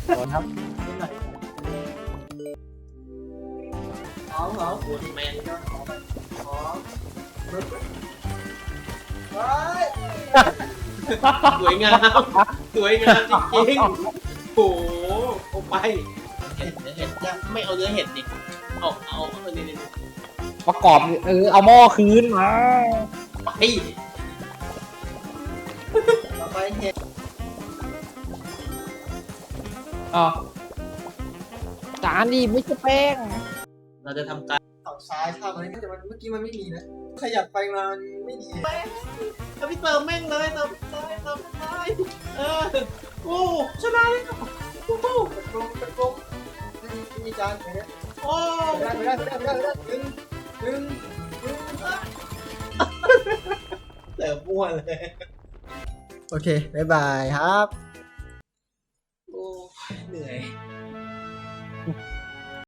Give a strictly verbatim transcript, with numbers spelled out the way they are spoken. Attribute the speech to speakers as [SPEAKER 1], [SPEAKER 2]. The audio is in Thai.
[SPEAKER 1] โดนครับ
[SPEAKER 2] อ๋อเหรอปวดแมนก็ขอไปขอเฮ้ยสวยงามสวยงามจริงๆโอ้โหเอาไปเห็ดเนื้อเห็ดยังไม่เอาเนื้อเห็ดดิเอาเอาเอานี่นี่
[SPEAKER 1] ประกอบเออเอาหม้อคืนมา
[SPEAKER 2] ไปต่อไปเห็ด
[SPEAKER 1] อ๋อจานดิไม่ใช่แป้ง
[SPEAKER 2] เราจะทำการฝั่งซ้ายข้างอะไรแต่มันเมื่อกี้มันไม่มีนะขยับไปมาไม่ดีจะไปเติมแม่งเลยเติมซ้ายเติมซ้ายเออโอ้ชนะเลยโอ้โหเป็นกลมเป็นกลมมีจานไหนเนี่ยโอ้ไม่ได้ไม่ได้ไม่ได้ไม่ได้หนึ่งหนึ่งหนึ่งเติมมั่วเลยโอเคบ๊ายบายครับ